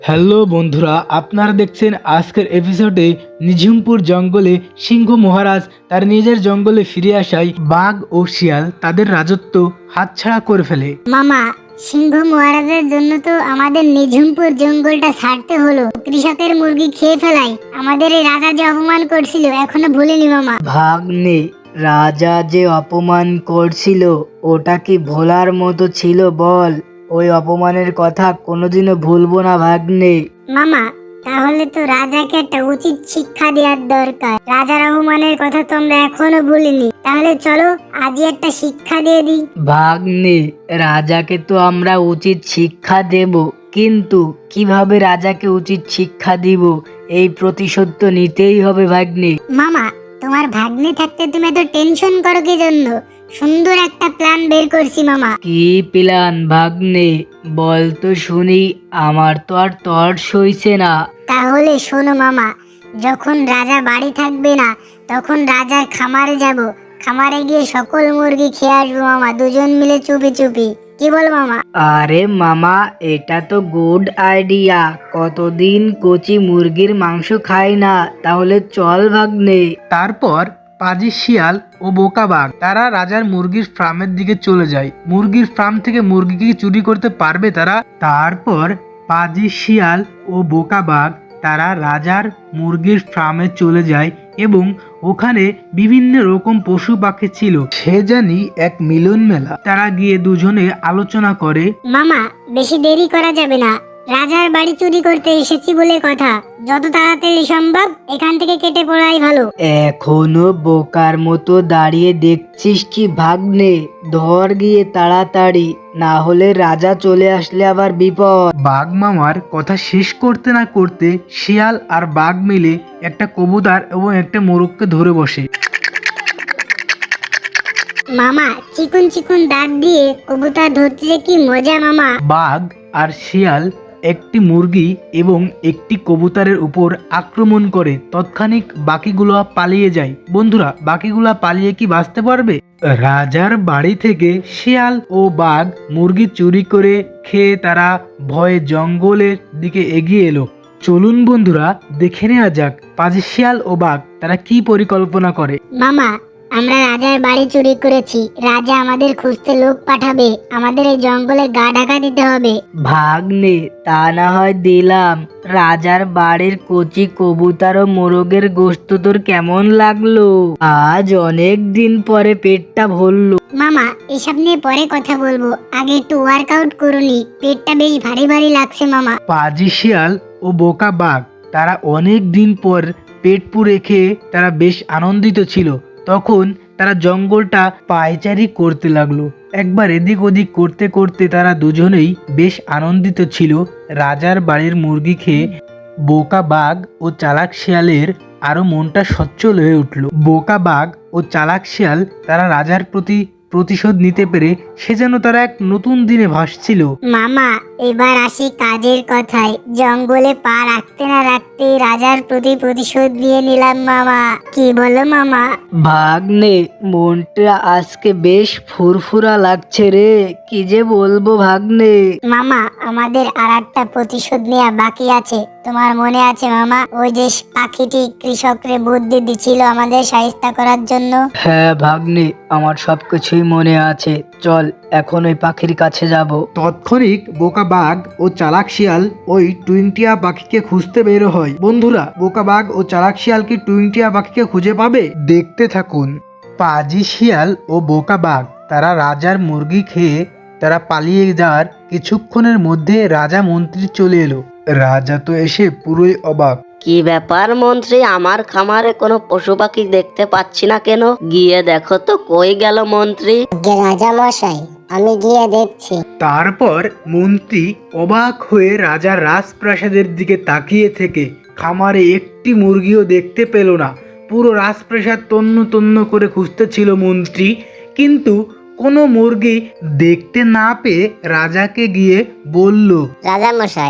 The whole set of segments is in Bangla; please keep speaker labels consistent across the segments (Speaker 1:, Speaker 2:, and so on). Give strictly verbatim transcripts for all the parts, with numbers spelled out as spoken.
Speaker 1: হ্যালো বন্ধুরা, আপনারা দেখছেন আজকের এপিসোডে নিঝুমপুর জঙ্গলে সিংহ মহারাজ তার নিজের জঙ্গলে ফিরে আসায় বাঘ ও শিয়াল তাদের রাজত্ব হাতছাড়া করে ফেলে।
Speaker 2: মামা, সিংহ মহারাজের জন্য তো আমাদের নিঝুমপুর জঙ্গলটা ছাড়তে হলো। কৃষকের মুরগি খেয়ে ফেলাই আমাদের এই রাজা যে অপমান করছিল এখনো ভুলিনি মামা।
Speaker 3: ভাগ্নে, রাজা যে অপমান করছিল ওটা কি ভোলার মতো ছিল বল? ওই অপমানের কথা কোনোদিনও ভুলবো না ভাগ্নে।
Speaker 2: মামা, তাহলে তো রাজাকে একটা উচিত শিক্ষা দেওয়ার দরকার। রাজার অপমানের কথা তো আমরা এখনো ভুলিনি, তাহলে চলো আজই একটা শিক্ষা দিয়ে দিই।
Speaker 3: ভাগ্নে, রাজাকে তো আমরা উচিত শিক্ষা দেব, কিন্তু কিভাবে রাজাকে উচিত শিক্ষা দিব এই প্রতিশোধ তো নিতেই হবে ভাগ্নে।
Speaker 2: মামা, তোমার ভাগ্নে থাকতে তুমি এত টেনশন করো কি জন্য? সুন্দর একটা প্ল্যান বের করছি মামা।
Speaker 3: কি প্ল্যান ভাগ্নে, বল তো শুনি, আমার তো আর তর সইছে না।
Speaker 2: তাহলে শোনো মামা, যখন রাজা বাড়ি থাকবে না তখন রাজার খামারে যাব। খামারে গিয়ে সকল মুরগি খেয়ে আসবো মামা, দুজন মিলে চুপি চুপি। কি বল মামা?
Speaker 3: আরে মামা, এটা তো গুড আইডিয়া। কতদিন কচি মুরগির মাংস খাই না, তাহলে চল ভাগ্নে।
Speaker 1: তারপর পাজি শিয়াল ও বোকা বাঘ তারা রাজার মুরগির ফার্মের দিকে চলে যায়। মুরগির ফার্ম থেকে মুরগি কি চুরি করতে পারবে তারা? তারপর পাজি শিয়াল ও বোকা বাঘ তারা রাজার মুরগির ফার্মে চলে যায় এবং ওখানে বিভিন্ন রকম পশু পাখি ছিল, সে জানি এক মিলন মেলা। তারা গিয়ে দুজনে আলোচনা করে।
Speaker 2: মামা, বেশি দেরি করা যাবে না। রাজার বাড়ি চুরি করতে এসেছি বলে কথা, যত তাড়াতাড়ি সম্ভব এখান থেকে কেটে পড়াই ভালো।
Speaker 3: এখনো বোকার মতো দাঁড়িয়ে দেখছিস কি ভাগ্নে? ধর গিয়ে তাড়াতাড়ি, না হলে রাজা চলে আসলে আবার বিপদ।
Speaker 1: বাঘ মামার কথা শেষ করতে না করতে শিয়াল আর বাঘ মিলে একটা কবুতর এবং একটা মোরগকে ধরে বসে।
Speaker 2: মামা, চিকুন চিকুন দাঁত দিয়ে কবুতর ধরতে যে কি মজা মামা।
Speaker 1: বাঘ আর শিয়াল একটি মুরগি এবং একটি কবুতরের উপর আক্রমণ করে তৎক্ষণিক বাকিগুলো পালিয়ে যায়। বন্ধুরা, বাকিগুলা পালিয়ে কি বাঁচতে পারবে? রাজার বাড়ি থেকে শিয়াল ও বাঘ মুরগি চুরি করে খেয়ে তারা ভয়ে জঙ্গলের দিকে এগিয়ে এলো। চলুন বন্ধুরা, দেখে নেওয়া যাক পাজি শিয়াল ও বাঘ তারা কি পরিকল্পনা করে।
Speaker 2: মামা, আমরা রাজার বাড়ি চুরি করেছি। রাজা আমাদের খুঁজতে লোক পাঠাবে, আমাদের এই জঙ্গলে গা ঢাকা দিতে হবে।
Speaker 3: ভাগ্নে, তা না হয় দিলাম। রাজার বাড়ির কচি কবুতর ও মোরগের গোশত তোর কেমন লাগলো? আজ অনেক দিন পরে পেটটা ভরলো।
Speaker 2: মামা, এসব নিয়ে পরে কথা বলবো, আগে একটু ওয়ার্কআউট করুনি, পেটটা বেশ ভারী ভারী লাগছে মামা।
Speaker 1: পাজি শিয়াল ও বোকা বাঘ তারা অনেক দিন পর পেট পুড়ে খেয়ে তারা বেশ আনন্দিত ছিল। তখন তারা জঙ্গলটা পায়চারি করতে লাগলো। একবার এদিক ওদিক করতে করতে তারা দুজনেই বেশ আনন্দিত ছিল। রাজার বাড়ির মুরগি খেয়ে বোকা বাঘ ও চালাক শিয়ালের আরো মনটা সচ্ছল হয়ে উঠল। বোকা বাঘ ও চালাক শিয়াল তারা রাজার প্রতি প্রতিশোধ নিতে পেরে সে যেন তারা এক নতুন দিনে ভাসছিল।
Speaker 2: মামা, এবার আসি কাজের কথায়। জঙ্গলে পা রাখতে না রাখতে রাজার প্রতি প্রতিশোধ নিয়ে নিলাম মামা। কি বলো মামা?
Speaker 3: ভাগ্নে, মনটা আজকে বেশ ফুরফুরা লাগছে রে, কি যে বলবো ভাগ্নে।
Speaker 2: মামা, আমাদের আর একটা প্রতিশোধ নেওয়া বাকি আছে। তোমার মনে আছে মামা, ওই যে পাখিটি কৃষকরে বুদ্ধি দিছিল আমাদের সাহায্য করার জন্য?
Speaker 3: হ্যাঁ ভাগ্নে, আমার সবকিছুই মনে আছে। চল এখন ওই পাখির কাছে যাব।
Speaker 1: তৎক্ষণিক বোকা বাঘ ও চালাক শিয়াল ওই টুইনটিয়া পাখিকে খুঁজতে বের হয়। বন্ধুরা, বোকা বাঘ ও চালাক শিয়াল কি টুইনটিয়া পাখিকে খুঁজে পাবে? দেখতে থাকুন। পাজি শিয়াল ও বোকা বাঘ তারা রাজার মুরগি খেয়ে তারা পালিয়ে যাওয়ার কিছুক্ষণের মধ্যে রাজা মন্ত্রী চলে এলো। রাজা তো এসে পুরোই অবাক।
Speaker 4: কি ব্যাপার মন্ত্রী, আমার খামারে কোনো পশু পাখি দেখতে পাচ্ছি না কেন? গিয়ে দেখো তো কই গেল মন্ত্রী।
Speaker 2: রাজা মশাই, আমি গিয়ে দেখছি।
Speaker 1: তারপর মন্ত্রী অবাক হয়ে রাজার রাজপ্রাসাদের দিকে তাকিয়ে থেকে খামারে একটি মুরগিও দেখতে পেল না। পুরো রাজপ্রাসাদ তন্ন তন্ন করে খুঁজতেছিল মন্ত্রী, কিন্তু কোনো মুরগি দেখতে না পেয়ে রাজাকে গিয়ে বলল,
Speaker 2: রাজা মশাই,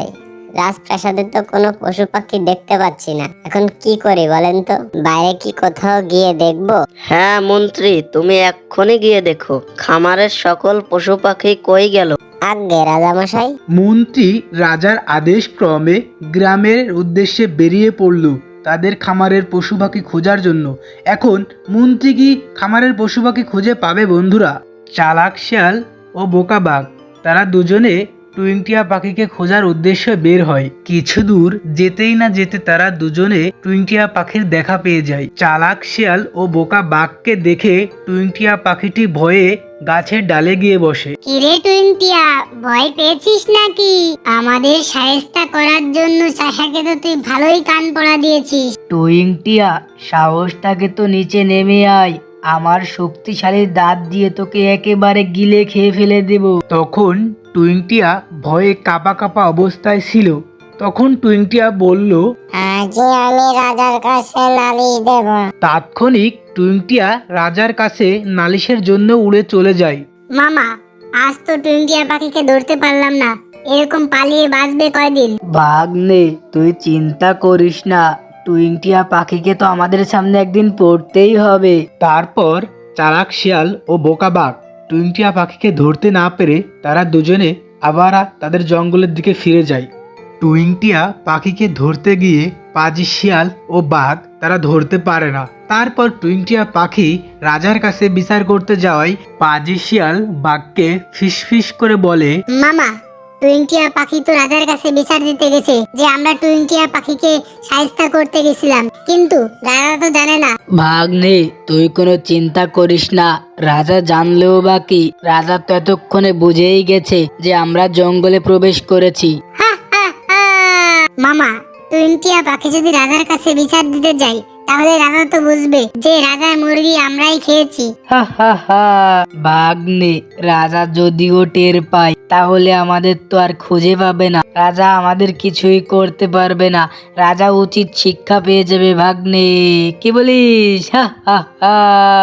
Speaker 2: রাজপ্রাসাদে তো কোনো পশু পাখি দেখতে পাচ্ছি না, এখন কি করি বলেন তো? বাইরে কি কোথাও গিয়ে দেখবো?
Speaker 4: হ্যাঁ মন্ত্রী, তুমি এক্ষুনি গিয়ে দেখো খামারের সকল পশু পাখি কই গেল।
Speaker 2: আজ্ঞে রাজামশাই।
Speaker 1: মন্ত্রী রাজার আদেশ ক্রমে গ্রামের উদ্দেশ্যে বেরিয়ে পড়ল তাদের খামারের পশু পাখি খোঁজার জন্য। এখন মন্ত্রী কি খামারের পশু পাখি খুঁজে পাবে বন্ধুরা? চালাক শিয়াল ও বোকা বাঘ তারা দুজনে টুইংটিয়া পাখিকে খোঁজার উদ্দেশ্যে বের হয়। কিছু দূর যেতেই না যেতে তারা দুজনে টুইংটিয়া পাখির দেখা পেয়ে যায়। চালাক শিয়াল ও বোকা বাঘকে দেখে টুইংটিয়া পাখিটি ভয়ে গাছের ডালে গিয়ে বসে।
Speaker 2: কিরে টুইনটিয়া, ভয় পেয়েছিস নাকি? আমাদের সাহেস্তা করার জন্য চাষাকে তো তুই ভালোই কান পড়া দিয়েছিস।
Speaker 3: টুইংটিয়া, সাহসটাকে তো নিচে নেমে আয়, আমার শক্তিশালী দাঁত দিয়ে তোকে একেবারে গিলে খেয়ে ফেলে দেব।
Speaker 1: তখন টুইংটিয়া ভয়ে কাঁপা কাঁপা অবস্থায় ছিল। তখন টুইংটিয়া বলল,
Speaker 2: আজ আমি রাজার কাছে নালিশ দেব।
Speaker 1: তাৎক্ষণিক টুইংটিয়া রাজার কাছে নালিশের জন্য উড়ে চলে যায়।
Speaker 2: মামা, আজ তো টুইনটিয়া পাখিকে ধরতে পারলাম না, এরকম পালিয়ে বাঁচবে কয়দিন?
Speaker 3: ভাগ্নে, তুই চিন্তা করিস না, টুইংটিয়া পাখিকে তো আমাদের সামনে একদিন পড়তেই হবে।
Speaker 1: তারপর চালাক শিয়াল ও বোকা বাঘ টুইংটিয়া পাখিকে ধরতে না পেরে তারা দুজনে আবার তাদের জঙ্গলের দিকে ফিরে যায়। টুইংটিয়া পাখিকে ধরতে গিয়ে পাজি শিয়াল ও বাঘ তারা ধরতে পারে না। তারপর টুইংটিয়া পাখি রাজার কাছে বিচার করতে যাওয়ায় পাজি শিয়াল বাঘকে ফিসফিস করে বলে,
Speaker 2: মামা, টুইনটিয়া পাখি তো রাজার কাছে বিচার দিতে গেছে যে আমরা টুইনটিয়া পাখিকে সাহায্য করতে গেছিলাম, কিন্তু রাজা তো জানে না।
Speaker 3: ভাগ্নে, তুই কোনো চিন্তা করিস না, রাজা জানলেও বা কি, রাজা তো এতক্ষণে বুঝেই গেছে যে আমরা জঙ্গলে প্রবেশ করেছি।
Speaker 2: হা, হা, হা। মামা, টুইনটিয়া পাখি যদি রাজার কাছে বিচার দিতে যায় তাহলে রাজা তো বুঝবে যে রাজার মুরগি আমরাই খেয়েছি।
Speaker 3: হা হা হা। ভাগ্নে, রাজা যদিও টের পায় তাহলে আমাদের তো আর খুঁজে পাবে না, রাজা আমাদের কিছুই করতে পারবে না, রাজা উচিত শিক্ষা পেয়ে যাবে। ভাগ্নে, কি বলিস? হা হা হা।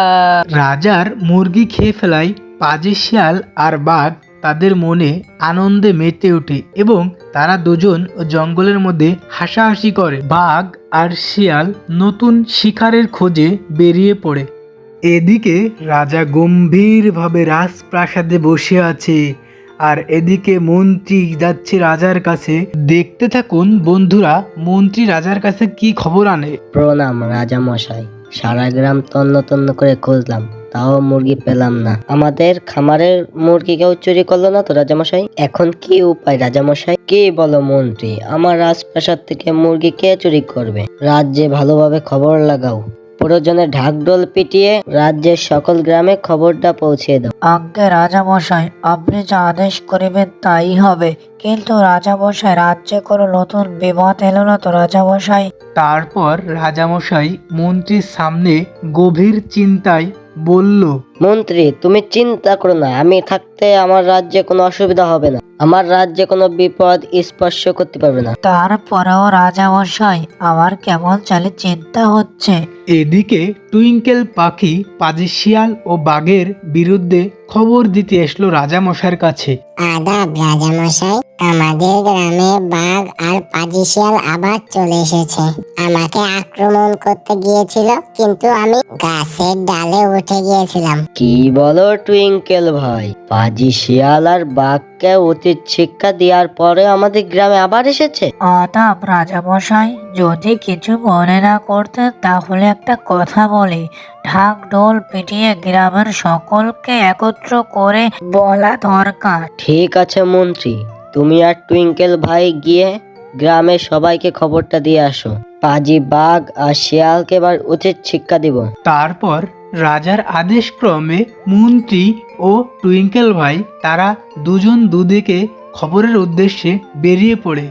Speaker 1: রাজার মুরগি খেয়ে ফেলায় পাজি শিয়াল আর বাঘ তাদের মনে আনন্দে মেতে ওঠে এবং তারা দুজন জঙ্গলের মধ্যে হাসাহাসি করে। বাঘ আর শিয়াল নতুন শিকারের খোঁজে বেরিয়ে পড়ে। এদিকে রাজা গম্ভীরভাবে রাজপ্রাসাদে বসে আছে আর এদিকে মন্ত্রী যাচ্ছে রাজার কাছে। দেখতে থাকুন বন্ধুরা, মন্ত্রী রাজার কাছে কি খবর আনে।
Speaker 5: প্রণাম রাজা মশাই, সারা গ্রাম তন্ন তন্ন করে খুঁজলাম, তাও মুরগি পেলাম না। আমাদের খামারের মুরগি কেউ চুরি করলো না তো রাজামশাই? এখন কি উপায় রাজামশাই? কি বলো মন্ত্রী, আমার রাজপ্রাসাদ থেকে মুরগি কে চুরি করবে? রাজ্যে ভালোভাবে খবর লাগাও, প্রয়োজনে ঢাকঢোল পিটিয়ে রাজ্যের সকল গ্রামে খবরটা পৌঁছে দাও।
Speaker 3: আজ্ঞে রাজামশাই, আপনি যা আদেশ করিবেন তাই হবে, কিন্তু রাজামশাই, রাজ্যে কোনো নতুন বিপদ এলো না তো রাজামশাই?
Speaker 1: তারপর রাজামশাই মন্ত্রীর সামনে গভীর চিন্তায় বলল,
Speaker 5: মন্ত্রী তুমি চিন্তা করো না, আমি থাকতে আমার রাজ্যে কোনো অসুবিধা হবে না, আমার রাজ্যে কোনো বিপদ স্পর্শ করতে পারবে না।
Speaker 3: তারপরেও রাজামশাই, আমার কেমন চালে চিন্তা হচ্ছে।
Speaker 1: এদিকে টুইঙ্কেল পাখি পাজি শিয়াল ও বাঘের বিরুদ্ধে খবর দিতে এসলো রাজামশাইয়ের কাছে।
Speaker 2: আদাব রাজামশাই, আমাদের গ্রামে বাঘ আর পাজি শিয়াল আবার চলে এসেছে। আমাকে আক্রমণ করতে গিয়েছিল, কিন্তু আমি গাছের ডালে উঠে গিয়েছিলাম।
Speaker 5: কি বলো টুইঙ্কেল ভাই, পাজি শিয়াল আর বাঘকে উচিত শিক্ষা দেওয়ার পরে আমাদের গ্রামে আবার এসেছে?
Speaker 3: আদাব রাজামশাই, যদি কিছু মনে না করতেন তাহলে একটা কথা বলি। ঢাক ঢোল পিটিয়ে গ্রামের সকলকে একত্র করে বলা দরকার।
Speaker 5: ঠিক আছে মন্ত্রী, তুমি আর টুইঙ্কেল ভাই গিয়ে গ্রামের সবাইকে খবরটা দিয়ে আসো, পাজি বাঘ আর শিয়ালকে এবার উচিত শিক্ষা দিব।
Speaker 1: তারপর রাজার আদেশ ক্রমে মন্ত্রী ও টুইঙ্কেল ভাই তারা দুজন দুদিকে খবরের উদ্দেশ্যে বেরিয়ে পড়ে।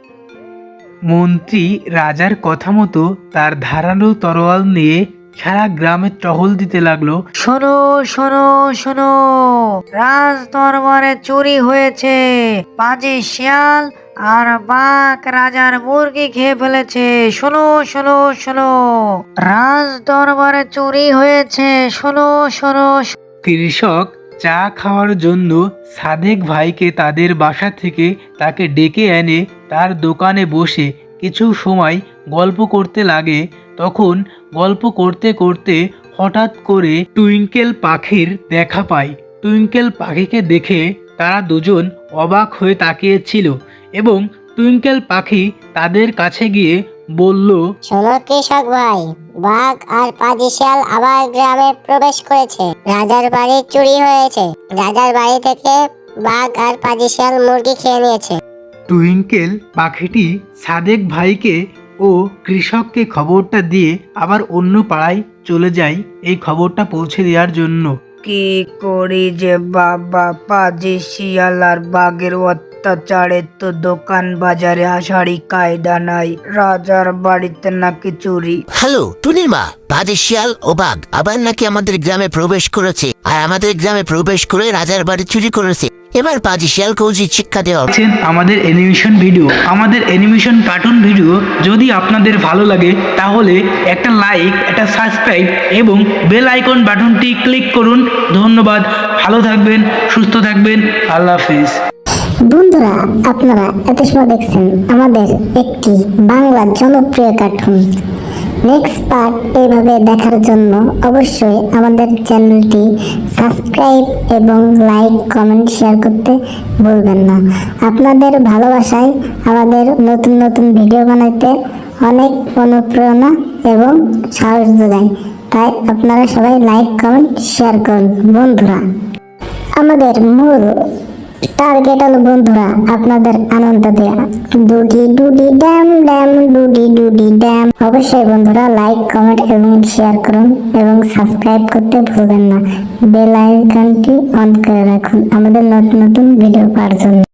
Speaker 1: মন্ত্রী রাজার কথা মতো তার ধারালো তরোয়াল নিয়ে সারা গ্রামে টহল দিতে লাগলো।
Speaker 3: শোনো শোনো শোনো, রাজ দরবারে চুরি হয়েছে, পাজি শিয়াল আর বাঘ রাজার মুরগি খেয়ে ফেলেছে। শোনো শোনো শোনো, রাজ দরবারে চুরি হয়েছে, শোনো শোনো।
Speaker 1: কৃষক চা খাওয়ার জন্য সাদেক ভাইকে তাদের বাসা থেকে তাকে ডেকে এনে তার দোকানে বসে কিছু সময় গল্প করতে লাগে। তখন গল্প করতে করতে হঠাৎ করে টুইঙ্কেল পাখির দেখা পায়। টুইঙ্কেল পাখিকে দেখে তারা দুজন অবাক হয়ে তাকিয়েছিল এবং টুইঙ্কেল পাখি তাদের কাছে গিয়ে বলল,
Speaker 2: শোনো কৃষক ভাই, বাঘ আর পাজি শিয়াল আবার গ্রামে প্রবেশ করেছে। রাজার বাড়ি চুরি হয়েছে। রাজার বাড়ি থেকে বাঘ আর পাজি শিয়াল মুরগি খেয়ে নিয়েছে।
Speaker 1: টুইঙ্কেল পাখিটি সাদেক ভাইকে ও কৃষককে খবরটা দিয়ে আবার অন্য পাড়ায় চলে যায় এই খবরটা পৌঁছে দেওয়ার জন্য।
Speaker 3: কি করি যে বাবা, পাজি শিয়াল আর বাঘের অত্যাচারে তো দোকান বাজারে আসারই কায়দা নাই। রাজার বাড়িতে নাকি চুরি।
Speaker 6: হ্যালো টুনির মা, বাজে শিয়াল ও বাঘ আবার নাকি আমাদের গ্রামে প্রবেশ করেছে আর আমাদের গ্রামে প্রবেশ করে রাজার বাড়ি চুরি করেছে। এবার বাজে শিয়ালকে উচিত শিক্ষা দেওয়া হবে।
Speaker 1: দেখছেন আমাদের অ্যানিমেশন ভিডিও, আমাদের অ্যানিমেশন কার্টুন ভিডিও যদি আপনাদের ভালো লাগে তাহলে একটা লাইক, একটা সাবস্ক্রাইব এবং বেল আইকন বাটনটি ক্লিক করুন। ধন্যবাদ। ভালো থাকবেন, সুস্থ থাকবেন। আল্লাহ হাফিজ।
Speaker 2: বন্ধুরা, আপনারা এত সময় দেখছেন আমাদের একটি বাংলা জনপ্রিয় কার্টুন। নেক্সট পার্ট এইভাবে দেখার জন্য অবশ্যই আমাদের চ্যানেলটি সাবস্ক্রাইব এবং লাইক, কমেন্ট, শেয়ার করতে ভুলবেন না। আপনাদের ভালোবাসায় আমাদের নতুন নতুন ভিডিও বানাইতে অনেক অনুপ্রেরণা এবং সাহস যোগায়। তাই আপনারা সবাই লাইক, কমেন্ট, শেয়ার করুন। বন্ধুরা, আমাদের মূল টার্গেট হলো বন্ধুরা আপনাদের আনন্দ দেয়া। ডুডি ডুডি ড্যাম ড্যাম ডুডি ডুডি ড্যাম। অবশ্যই বন্ধুরা লাইক, কমেন্ট এবং শেয়ার করুন এবং সাবস্ক্রাইব করতে ভুলবেন না। বেল আইকনটি অন করে রাখুন আমাদের নতুন নতুন ভিডিও পাওয়ার জন্য।